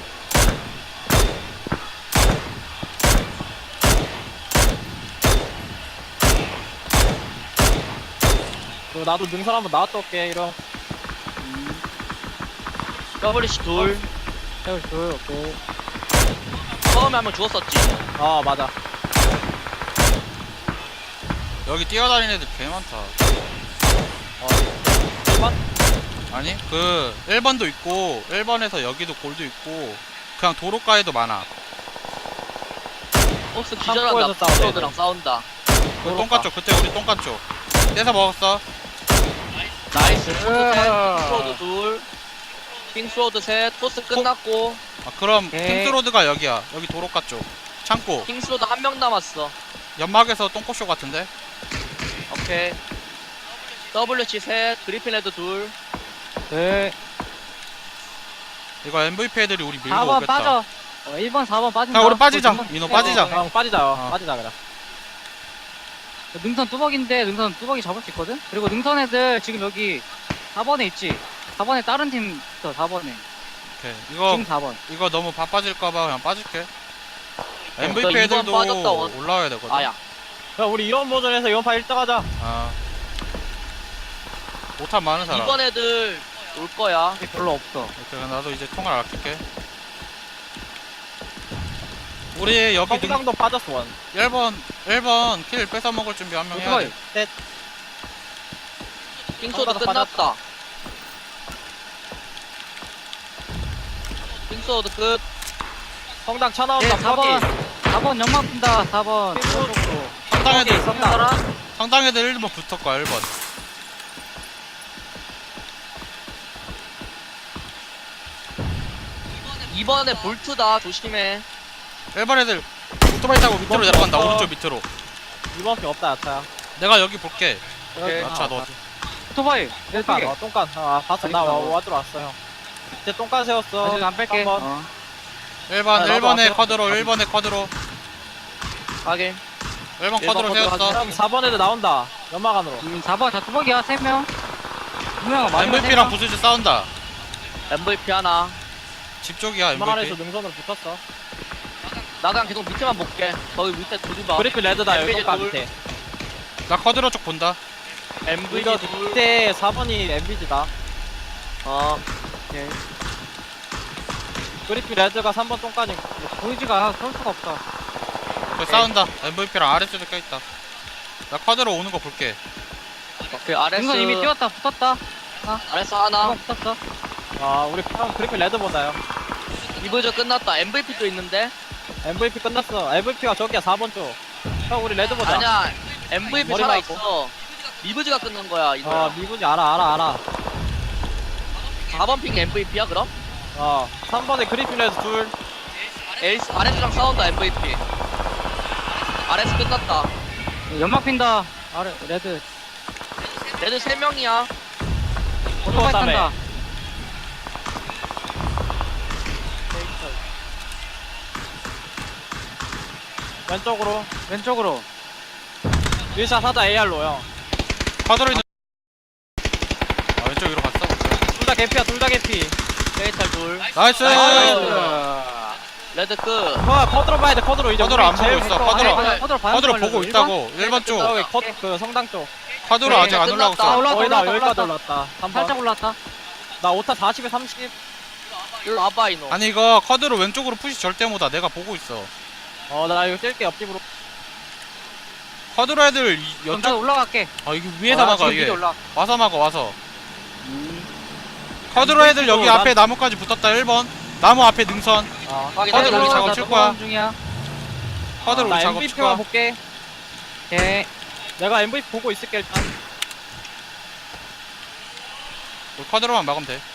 [SPEAKER 1] 그리고 나도 능선 한번 나왔다 올게. 이런.
[SPEAKER 3] 더블유씨 둘.
[SPEAKER 4] 태현 둘, 오케이.
[SPEAKER 3] 처음에 한 명 죽었었지.
[SPEAKER 1] 어 맞아.
[SPEAKER 2] 여기 뛰어다니는 애들 개 많다.
[SPEAKER 1] 어. 일 번?
[SPEAKER 2] 아니 그 일 번도 있고 일 번에서 여기도 골도 있고 그냥 도로가에도 많아.
[SPEAKER 3] 버스
[SPEAKER 1] 창고에서
[SPEAKER 3] 기절한다.
[SPEAKER 1] 싸우네,
[SPEAKER 3] 버스들랑 싸운다.
[SPEAKER 2] 그 똥간 쪽 그때 우리 똥간 쪽 떼서 먹었어.
[SPEAKER 3] 나이스.
[SPEAKER 4] 으아.
[SPEAKER 3] 포스 셋. 킹스로드 둘. 킹스로드 셋. 포스 끝났고.
[SPEAKER 2] 아 그럼
[SPEAKER 4] 오케이.
[SPEAKER 2] 킹스로드가 여기야. 여기 도로가 쪽 창고
[SPEAKER 3] 킹스로드 한 명 남았어.
[SPEAKER 2] 연막에서 똥꼬쇼 같은데.
[SPEAKER 3] 오케이. 더블유씨 셋. 그리핀 헤드 둘.
[SPEAKER 4] 네.
[SPEAKER 2] 이거 엠브이피 애들이 우리 밀고
[SPEAKER 4] 사 번
[SPEAKER 2] 오겠다.
[SPEAKER 4] 빠져. 어, 일 번, 사 번 빠진다.
[SPEAKER 2] 야, 우리 빠지자.
[SPEAKER 4] 어, 능선-
[SPEAKER 2] 민호
[SPEAKER 4] 어,
[SPEAKER 2] 빠지자.
[SPEAKER 4] 어, 어.
[SPEAKER 1] 형 빠지자.
[SPEAKER 2] 어.
[SPEAKER 1] 빠지자 그냥.
[SPEAKER 4] 능선 뚜벅인데 능선 뚜벅이 잡을 수 있거든? 그리고 능선 애들 지금 여기 사 번에 있지? 사 번에 다른 팀 있어, 사 번에.
[SPEAKER 2] 오케이. 이거
[SPEAKER 4] 지금 사 번.
[SPEAKER 2] 이거 너무 바빠질까봐 그냥 빠질게.
[SPEAKER 3] 너
[SPEAKER 2] 엠브이피
[SPEAKER 3] 이번
[SPEAKER 2] 애들도
[SPEAKER 3] 빠졌다, 원.
[SPEAKER 2] 올라와야 되거든.
[SPEAKER 3] 아야.
[SPEAKER 1] 야 우리 이런 버전에서 이번 파 일 등 하자.
[SPEAKER 2] 아. 오탄 많은 사람.
[SPEAKER 3] 이번 애들 올 거야.
[SPEAKER 4] 별로 없어.
[SPEAKER 2] 오케이, 나도 이제 통을 아낄게. 우리 여기 능,
[SPEAKER 1] 성당도 빠졌어 원.
[SPEAKER 2] 일 번 일 번 킬 뺏어 먹을 준비 한 명 해야
[SPEAKER 4] 오토바이.
[SPEAKER 2] 돼.
[SPEAKER 3] 킹스로드
[SPEAKER 1] 성당도
[SPEAKER 3] 끝났다. 킹스로드 끝.
[SPEAKER 1] 성당 차
[SPEAKER 4] 예,
[SPEAKER 1] 나온다.
[SPEAKER 4] 사 번. 사 번 연막 푼다, 사 번.
[SPEAKER 1] 킹스로드.
[SPEAKER 2] 상당 애들
[SPEAKER 1] 성당.
[SPEAKER 3] 사람
[SPEAKER 2] 상당 애들 일 번 붙을 거야 일 번.
[SPEAKER 3] 이번에 볼트다 조심해.
[SPEAKER 2] 일 번 애들 오토바이 타고 밑으로
[SPEAKER 1] 이번
[SPEAKER 2] 내려간다.
[SPEAKER 1] 거.
[SPEAKER 2] 오른쪽 밑으로.
[SPEAKER 1] 이번 피 없다 야차야.
[SPEAKER 2] 내가 여기 볼게.
[SPEAKER 3] 오케이.
[SPEAKER 2] 야차 너.
[SPEAKER 4] 오토바이 내
[SPEAKER 1] 똥간
[SPEAKER 4] 쪽에
[SPEAKER 1] 어 똥간 아 봤어 나
[SPEAKER 4] 알겠어.
[SPEAKER 1] 와, 와 들어왔어 형. 이제 똥간 세웠어.
[SPEAKER 4] 아직 안 뺄게.
[SPEAKER 1] 삼 번.
[SPEAKER 4] 어.
[SPEAKER 2] 일 번
[SPEAKER 1] 아, 나도
[SPEAKER 2] 일 번에
[SPEAKER 1] 왔어요.
[SPEAKER 2] 쿼드로 일 번에 쿼드로.
[SPEAKER 3] 확인.
[SPEAKER 2] 일 번
[SPEAKER 3] 일 번
[SPEAKER 2] 쿼드로
[SPEAKER 3] 쿼드로
[SPEAKER 2] 세웠어.
[SPEAKER 1] 형 사 번 애들 나온다. 연막 안으로.
[SPEAKER 4] 음, 사 번 자 뚜벅이야 세 명. 두 명.
[SPEAKER 2] 엠브이피랑 부스즈 싸운다.
[SPEAKER 3] 엠브이피 하나.
[SPEAKER 2] 집 쪽이야
[SPEAKER 1] 연막 안에서
[SPEAKER 2] 엠브이피.
[SPEAKER 1] 능선으로 붙었어.
[SPEAKER 3] 나 그냥 계속 밑에만 볼게. 거기 밑에 두리봐.
[SPEAKER 1] 그리피 레드다 여기
[SPEAKER 3] 엠비지
[SPEAKER 1] 똥간
[SPEAKER 3] 둘.
[SPEAKER 1] 밑에.
[SPEAKER 2] 나 쿼드로 쪽 본다.
[SPEAKER 3] 엠브이피
[SPEAKER 1] 이거
[SPEAKER 3] 둘.
[SPEAKER 1] 밑에 사 번이 엠비지다.
[SPEAKER 3] 어.
[SPEAKER 4] 오케이.
[SPEAKER 1] 그리피 레드가 삼 번 똥간이.
[SPEAKER 4] 보이지가 쏠 수가 없다.
[SPEAKER 2] 그 싸운다. 엠브이피랑 아래쪽에 껴있다. 나 쿼드로 오는 거 볼게.
[SPEAKER 3] 오케이 아레스.
[SPEAKER 4] 능선 이미 뛰었다 붙었다.
[SPEAKER 3] 아레스 하나.
[SPEAKER 4] 한번 붙었어.
[SPEAKER 1] 아 우리 형 그리피 레드 보다요.
[SPEAKER 3] 이브저 끝났다. 엠브이피도 있는데.
[SPEAKER 1] 엠브이피 끝났어. 엠브이피가 저기야 사 번 쪽. 형 우리 레드 보자.
[SPEAKER 3] 아니야. 엠브이피
[SPEAKER 1] 머리
[SPEAKER 3] 살아
[SPEAKER 1] 맞고.
[SPEAKER 3] 있어. 이브즈가 끝난 거야 이거.
[SPEAKER 1] 어 미분이 알아 알아 알아.
[SPEAKER 3] 사 번 핑 엠브이피야 그럼?
[SPEAKER 1] 어 삼 번에 그리피 레드 둘.
[SPEAKER 3] 에이스 아레스랑 싸운다 엠브이피. 아레스 끝났다.
[SPEAKER 4] 연막 핀다. 아래 레드.
[SPEAKER 3] 레드 세 명이야.
[SPEAKER 4] 오토바이
[SPEAKER 1] 다음에.
[SPEAKER 4] 탄다.
[SPEAKER 1] 왼쪽으로.
[SPEAKER 4] 왼쪽으로.
[SPEAKER 1] 일샷 하자 에이알로 형.
[SPEAKER 2] 쿼드로 있는. 아 왼쪽 위로 갔어.
[SPEAKER 1] 둘 다 개피야 둘 다 개피.
[SPEAKER 3] 데이탈 둘.
[SPEAKER 2] 나이스.
[SPEAKER 1] 나이스.
[SPEAKER 3] 레드 끝.
[SPEAKER 1] 형 커드로 봐야 돼 커드로 이제.
[SPEAKER 2] 커드로
[SPEAKER 1] 우리
[SPEAKER 2] 안 보고
[SPEAKER 1] 제일
[SPEAKER 2] 있어,
[SPEAKER 1] 왼쪽
[SPEAKER 2] 커드로.
[SPEAKER 1] 안에
[SPEAKER 4] 아니, 커드로 봐야
[SPEAKER 2] 쿼드로
[SPEAKER 4] 걸려서
[SPEAKER 2] 보고
[SPEAKER 4] 일
[SPEAKER 2] 있다고. 일 번 쪽.
[SPEAKER 1] 저기 컷, 그 성당 쪽.
[SPEAKER 2] 쿼드로
[SPEAKER 3] 네,
[SPEAKER 2] 아직 안 올라오고
[SPEAKER 3] 끝났다.
[SPEAKER 2] 있어.
[SPEAKER 4] 올라왔다,
[SPEAKER 1] 거의 다
[SPEAKER 4] 올라왔다,
[SPEAKER 1] 여기까지
[SPEAKER 4] 올라왔다.
[SPEAKER 1] 올랐다. 한 번.
[SPEAKER 4] 살짝 올랐다.
[SPEAKER 1] 나 오타 사십에 삼십.
[SPEAKER 3] 일로 와봐 이놈.
[SPEAKER 2] 아니 이거 쿼드로 왼쪽으로 푸시 절대 못하. 내가 보고 있어.
[SPEAKER 1] 어 나 이거 뛸게 옆집으로.
[SPEAKER 2] 쿼드로 애들 이-
[SPEAKER 4] 그럼 나도
[SPEAKER 2] 연쪽.
[SPEAKER 4] 올라갈게.
[SPEAKER 2] 아 이게 위에다
[SPEAKER 4] 아,
[SPEAKER 2] 막아
[SPEAKER 4] 지금
[SPEAKER 2] 이게.
[SPEAKER 4] 위로 올라.
[SPEAKER 2] 와서 막아 와서.
[SPEAKER 4] 음.
[SPEAKER 2] 쿼드로 애들 여기
[SPEAKER 1] 난-
[SPEAKER 2] 앞에 나무까지 붙었다. 일 번. 나무 앞에 능선.
[SPEAKER 1] 어.
[SPEAKER 3] 확인.
[SPEAKER 2] 쿼드로 우리
[SPEAKER 3] 확인.
[SPEAKER 2] 작업
[SPEAKER 4] 나
[SPEAKER 2] 칠 거야.
[SPEAKER 4] 넘어가는 중이야.
[SPEAKER 2] 쿼드로
[SPEAKER 1] 나
[SPEAKER 2] 우리 작업 칠
[SPEAKER 1] 엠브이피만
[SPEAKER 2] 거야.
[SPEAKER 1] 볼게.
[SPEAKER 4] 오케이.
[SPEAKER 1] 내가 엠브이피 보고 있을게 일단.
[SPEAKER 2] 우리 쿼드로만 막으면 돼.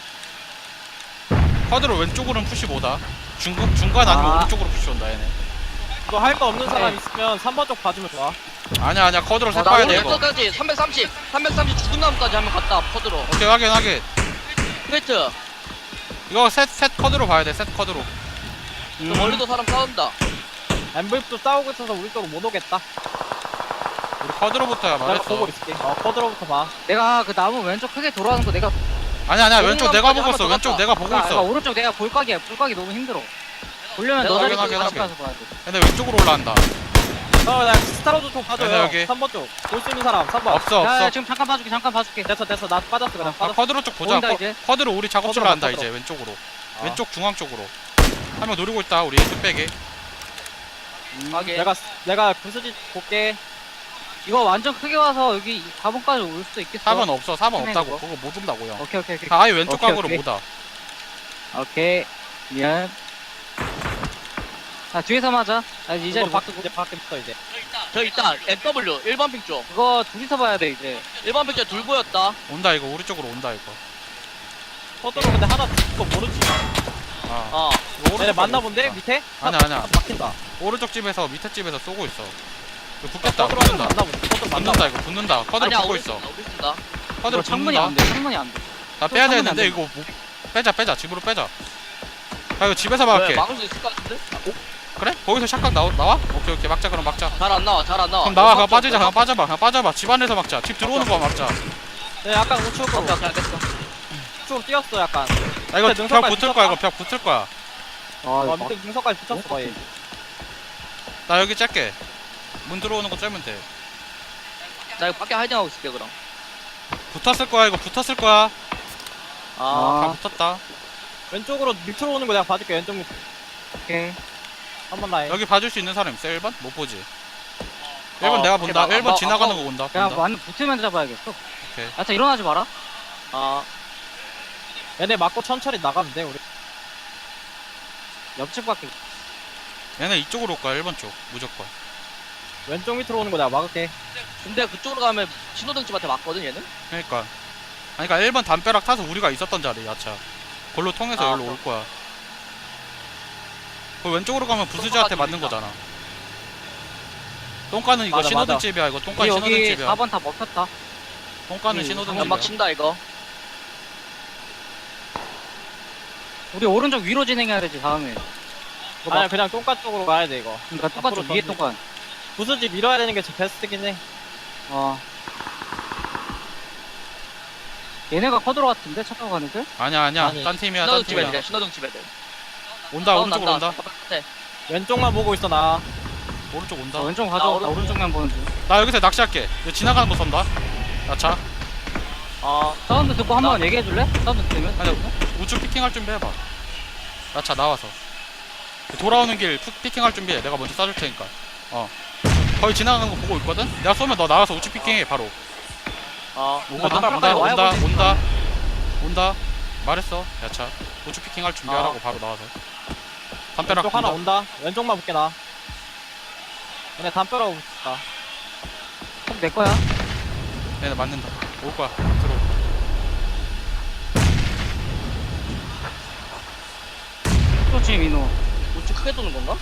[SPEAKER 2] 쿼드로 왼쪽으로는 푸시 못하. 중국 중간 아니면
[SPEAKER 4] 아.
[SPEAKER 2] 오른쪽으로 푸시 온다 얘네.
[SPEAKER 1] 너 할 거 없는 사람
[SPEAKER 4] 네.
[SPEAKER 1] 있으면 삼 번 쪽 봐주면 좋아.
[SPEAKER 2] 아니야 아니야 쿼드로
[SPEAKER 3] 어,
[SPEAKER 2] 색
[SPEAKER 3] 나
[SPEAKER 2] 봐야 돼 이거.
[SPEAKER 3] 오른쪽까지 삼백삼십. 삼백삼십 죽은 나무까지 하면 갔다. 퍼드로.
[SPEAKER 2] 오케이 확인 확인.
[SPEAKER 3] 크레이트.
[SPEAKER 2] 이거 셋 셋 쿼드로 봐야 돼. 셋 쿼드로.
[SPEAKER 3] 그 멀리도 사람 싸운다.
[SPEAKER 1] 엠브이피도 싸우고 있어서 우리 쪽으로 못 오겠다.
[SPEAKER 2] 우리 쿼드로부터야
[SPEAKER 1] 내가
[SPEAKER 2] 말했어.
[SPEAKER 1] 보고 있을게. 어 커드로부터 봐.
[SPEAKER 4] 내가 그 나무 왼쪽 크게 돌아가는 거 내가
[SPEAKER 2] 아니야 아니야
[SPEAKER 3] 오른
[SPEAKER 2] 왼쪽 내가
[SPEAKER 3] 나무까지
[SPEAKER 2] 보고 있어.
[SPEAKER 3] 한번 더
[SPEAKER 2] 왼쪽
[SPEAKER 3] 갔다.
[SPEAKER 2] 내가 보고
[SPEAKER 4] 그러니까
[SPEAKER 2] 있어.
[SPEAKER 4] 오른쪽 내가 볼각이야. 볼각이 너무 힘들어. 보려면
[SPEAKER 3] 내가
[SPEAKER 4] 너 자리
[SPEAKER 2] 확인,
[SPEAKER 4] 같이
[SPEAKER 2] 확인,
[SPEAKER 4] 가서 봐야 돼.
[SPEAKER 2] 근데 왼쪽으로 올라간다.
[SPEAKER 1] 어나 스타로드 쪽
[SPEAKER 2] 얘네
[SPEAKER 1] 봐줘요.
[SPEAKER 2] 여기.
[SPEAKER 1] 삼 번 쪽. 볼 수 있는 사람 삼 번.
[SPEAKER 2] 없어
[SPEAKER 4] 야,
[SPEAKER 2] 없어.
[SPEAKER 4] 지금 잠깐 봐줄게. 잠깐 봐줄게.
[SPEAKER 1] 됐어 됐어 나 빠졌어 그냥
[SPEAKER 2] 아,
[SPEAKER 1] 빠졌어.
[SPEAKER 2] 쿼드로 쪽 보자.
[SPEAKER 4] 보인다,
[SPEAKER 2] 쿼-
[SPEAKER 4] 이제.
[SPEAKER 2] 쿼드로 우리 작업실로
[SPEAKER 1] 쿼드로
[SPEAKER 2] 한다
[SPEAKER 1] 쿼드로.
[SPEAKER 2] 이제 왼쪽으로.
[SPEAKER 1] 어.
[SPEAKER 2] 왼쪽 중앙 쪽으로. 한 명 노리고 있다 우리 뚝배기.
[SPEAKER 3] 확인.
[SPEAKER 1] 내가 내가 부스지 볼게.
[SPEAKER 4] 이거 완전 크게 와서 여기 사 번까지 올 수도 있겠어.
[SPEAKER 2] 사 번 없어. 사 번
[SPEAKER 4] 헤매,
[SPEAKER 2] 없다고.
[SPEAKER 4] 그거.
[SPEAKER 2] 그거 못 온다고 형.
[SPEAKER 4] 오케이, 오케이, 오케이.
[SPEAKER 2] 다 아예 왼쪽
[SPEAKER 4] 오케이,
[SPEAKER 2] 각으로
[SPEAKER 4] 오케이.
[SPEAKER 2] 못 와.
[SPEAKER 4] 오케이. 미안. 아, 뒤에서 맞아. 아, 이 자리
[SPEAKER 1] 이거
[SPEAKER 4] 못
[SPEAKER 1] 밖
[SPEAKER 4] 쓰고.
[SPEAKER 1] 이제 밖에 붙어 이제.
[SPEAKER 3] 저 일단 엠더블유 일 번 핑 쪽.
[SPEAKER 4] 그거 둘이서 봐야 돼, 이제.
[SPEAKER 3] 일 번 핑 쪽 둘 보였다.
[SPEAKER 2] 온다 이거 우리 쪽으로 온다 이거.
[SPEAKER 1] 커드로 근데 하나 그거 모르지.
[SPEAKER 2] 아.
[SPEAKER 3] 어.
[SPEAKER 2] 이거
[SPEAKER 1] 얘네
[SPEAKER 2] 오른쪽
[SPEAKER 1] 맞나
[SPEAKER 2] 가고
[SPEAKER 1] 본데
[SPEAKER 2] 있다.
[SPEAKER 1] 밑에?
[SPEAKER 2] 아니야 아니야.
[SPEAKER 1] 아, 막힌다.
[SPEAKER 2] 오른쪽 집에서 밑에 집에서 쏘고 있어. 이거 붙겠다.
[SPEAKER 1] 커드로
[SPEAKER 2] 붙는다.
[SPEAKER 1] 맞나 본데. 커드로 맞나
[SPEAKER 2] 붙는다 이거 붙는다. 쿼드로
[SPEAKER 3] 아니야
[SPEAKER 2] 붙고
[SPEAKER 3] 우리
[SPEAKER 2] 있어.
[SPEAKER 3] 쓴다, 우리 쓴다.
[SPEAKER 2] 쿼드로
[SPEAKER 4] 이거 창문이
[SPEAKER 2] 붙는다.
[SPEAKER 4] 안 돼, 창문이 안 돼.
[SPEAKER 2] 나 빼야
[SPEAKER 4] 창문이
[SPEAKER 2] 되는데
[SPEAKER 4] 안
[SPEAKER 2] 이거 뭐, 빼자 빼자 집으로 빼자. 야 이거 집에서 막을게.
[SPEAKER 3] 왜 막을 수 있을 것 같은데?
[SPEAKER 2] 그래? 거기서 샷각 나오, 나와? 오케이 오케이 막자 그럼 막자.
[SPEAKER 3] 잘 안 나와 잘 안 나와.
[SPEAKER 2] 그럼 나와 그냥
[SPEAKER 3] 왼쪽
[SPEAKER 2] 빠지자 그냥
[SPEAKER 3] 왼쪽.
[SPEAKER 2] 빠져봐 그냥 빠져봐. 집 안에서 막자. 집 들어오는 거 막자.
[SPEAKER 1] 네 약간 우측으로
[SPEAKER 3] 오케이 오케이 알겠어.
[SPEAKER 1] 우측으로 뛰었어 약간.
[SPEAKER 2] 야 이거
[SPEAKER 1] 밑에
[SPEAKER 2] 벽
[SPEAKER 1] 능선까지
[SPEAKER 2] 붙을 거야 이거
[SPEAKER 1] 붙었다.
[SPEAKER 2] 벽 붙을 거야.
[SPEAKER 1] 어
[SPEAKER 4] 아,
[SPEAKER 1] 밑에 능선까지 붙었어 거의.
[SPEAKER 2] 나 여기 짤게. 문 들어오는 거 짤면 돼.
[SPEAKER 3] 나 이거 밖에 하이딩하고 있을게 그럼.
[SPEAKER 2] 붙었을 거야 이거 붙었을 거야.
[SPEAKER 3] 아.
[SPEAKER 2] 다
[SPEAKER 4] 아,
[SPEAKER 2] 붙었다.
[SPEAKER 1] 왼쪽으로 밑으로 오는 거 내가 봐줄게 왼쪽 밑.
[SPEAKER 4] 오케이.
[SPEAKER 1] 한번 라인.
[SPEAKER 2] 여기 봐줄 수 있는 사람 있어? 일 번? 못 보지. 일 번
[SPEAKER 3] 어,
[SPEAKER 2] 내가
[SPEAKER 3] 오케이,
[SPEAKER 2] 본다.
[SPEAKER 3] 막-
[SPEAKER 2] 일 번
[SPEAKER 3] 막-
[SPEAKER 2] 지나가는
[SPEAKER 3] 막-
[SPEAKER 2] 거 본다.
[SPEAKER 4] 그냥
[SPEAKER 2] 본다.
[SPEAKER 4] 완전 붙으면 잡아야겠어.
[SPEAKER 2] 오케이.
[SPEAKER 4] 야, 자, 일어나지 마라.
[SPEAKER 3] 아.
[SPEAKER 1] 얘네 맞고 천천히 나가면 돼 우리.
[SPEAKER 4] 옆집 밖에.
[SPEAKER 2] 얘네 이쪽으로 올 거야 일 번 쪽 무조건.
[SPEAKER 1] 왼쪽 밑으로 오는 거 내가 막을게.
[SPEAKER 3] 근데 그쪽으로 가면 신호등집한테 맞거든 얘는?
[SPEAKER 2] 그러니까 아니 그러니까 일 번 담벼락 타서 우리가 있었던 자리 야차 걸로 통해서
[SPEAKER 3] 아,
[SPEAKER 2] 여기로 올 거야. 그 왼쪽으로 가면 부스즈한테 맞는
[SPEAKER 3] 있다.
[SPEAKER 2] 거잖아. 똥가는 이거
[SPEAKER 1] 맞아,
[SPEAKER 2] 신호등
[SPEAKER 1] 맞아.
[SPEAKER 2] 집이야. 이거 똥가
[SPEAKER 4] 여기
[SPEAKER 2] 신호등 집이야.
[SPEAKER 4] 사 번 다 먹혔다.
[SPEAKER 2] 똥가는
[SPEAKER 4] 이
[SPEAKER 2] 신호등
[SPEAKER 3] 연막
[SPEAKER 2] 집이야.
[SPEAKER 3] 친다 이거.
[SPEAKER 4] 우리 오른쪽 위로 진행해야 되지 다음에.
[SPEAKER 1] 아니야 그냥 똥가 쪽으로 가야 돼 이거.
[SPEAKER 4] 그러니까 똑같이
[SPEAKER 1] 앞으로
[SPEAKER 4] 위에
[SPEAKER 1] 던지-
[SPEAKER 4] 똑같.
[SPEAKER 1] 부수지 밀어야 되는 게 제일 베스트긴 해.
[SPEAKER 4] 어. 얘네가 커드로 같은데 착각 가는 데?
[SPEAKER 2] 아니야 아니야.
[SPEAKER 1] 아니,
[SPEAKER 2] 딴 팀이야. 딴
[SPEAKER 3] 신호등집
[SPEAKER 2] 팀이야.
[SPEAKER 3] 애들 신호등집 애들.
[SPEAKER 2] 온다 오른쪽으로 온다.
[SPEAKER 3] 바깥에.
[SPEAKER 1] 왼쪽만 보고 있어 나.
[SPEAKER 2] 오른쪽 온다.
[SPEAKER 4] 어, 왼쪽
[SPEAKER 3] 나
[SPEAKER 4] 가져. 나
[SPEAKER 3] 오른쪽.
[SPEAKER 4] 오른쪽만 보는 중.
[SPEAKER 2] 나 여기서 낚시할게. 이거 지나가는 거 쏜다. 야차.
[SPEAKER 3] 어.
[SPEAKER 4] 사운드 듣고 한번 얘기해 줄래? 사운드 들으면?
[SPEAKER 2] 아니 우측 피킹할 준비해봐. 야차 나와서. 돌아오는 길 푸- 피킹할 준비해. 내가 먼저 쏴줄 테니까. 어. 거의 지나가는 거 보고 있거든. 내가 쏘면 너 나와서 우측 피킹해 바로.
[SPEAKER 3] 어.
[SPEAKER 2] 오거든.
[SPEAKER 4] 아,
[SPEAKER 2] 온다
[SPEAKER 4] 와야
[SPEAKER 2] 온다
[SPEAKER 4] 보지.
[SPEAKER 2] 온다 온다. 말했어. 야차. 우측 피킹할 준비하라고 바로 나와서. 담벼락
[SPEAKER 1] 왼쪽 하나
[SPEAKER 2] 온다.
[SPEAKER 1] 온다. 왼쪽만 볼게 나. 근데 담벼락 붙다.
[SPEAKER 4] 내 거야.
[SPEAKER 2] 얘네 맞는다. 올 거야. 들어.
[SPEAKER 4] 그렇지 민호.
[SPEAKER 3] 우측 크게 도는 건가?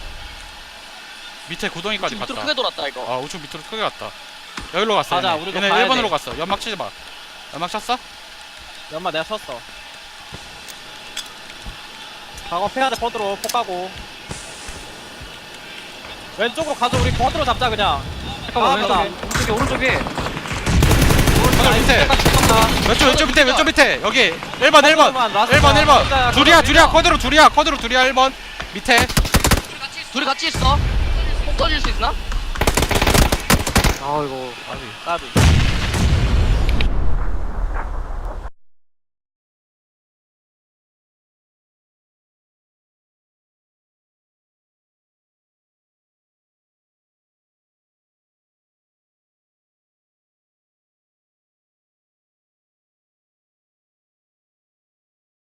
[SPEAKER 2] 밑에 구덩이까지
[SPEAKER 3] 우측
[SPEAKER 2] 갔다.
[SPEAKER 3] 밑으로 크게 돌았다 이거.
[SPEAKER 2] 아 우측 밑으로 크게 갔다. 여기로 갔어.
[SPEAKER 1] 가자,
[SPEAKER 2] 얘네,
[SPEAKER 1] 우리도
[SPEAKER 2] 얘네
[SPEAKER 1] 가야
[SPEAKER 2] 일 번으로
[SPEAKER 1] 돼.
[SPEAKER 2] 갔어. 연막 치지 마. 연막 쳤어?
[SPEAKER 1] 연마 내가 쳤어. 작업해야 돼 퍼드로 폭 가고. 왼쪽으로 가서 우리 퍼드로 잡자 그냥.
[SPEAKER 4] 잠깐만
[SPEAKER 1] 아,
[SPEAKER 4] 왼쪽에 오른쪽에 오른쪽에.
[SPEAKER 2] 하늘 밑에. 왼쪽 왼쪽 밑에 왼쪽 밑에. 여기 일 번 일 번.
[SPEAKER 1] 퍼드로만 라스트
[SPEAKER 2] 일 번 일 번.
[SPEAKER 1] 혼자야,
[SPEAKER 2] 둘이야
[SPEAKER 1] 그거
[SPEAKER 2] 둘이야.
[SPEAKER 1] 밀어.
[SPEAKER 2] 쿼드로 둘이야. 쿼드로 둘이야. 일 번. 밑에.
[SPEAKER 3] 둘이 같이 있어. 폭 터질 수 있나?
[SPEAKER 4] 아 이거
[SPEAKER 3] 까비.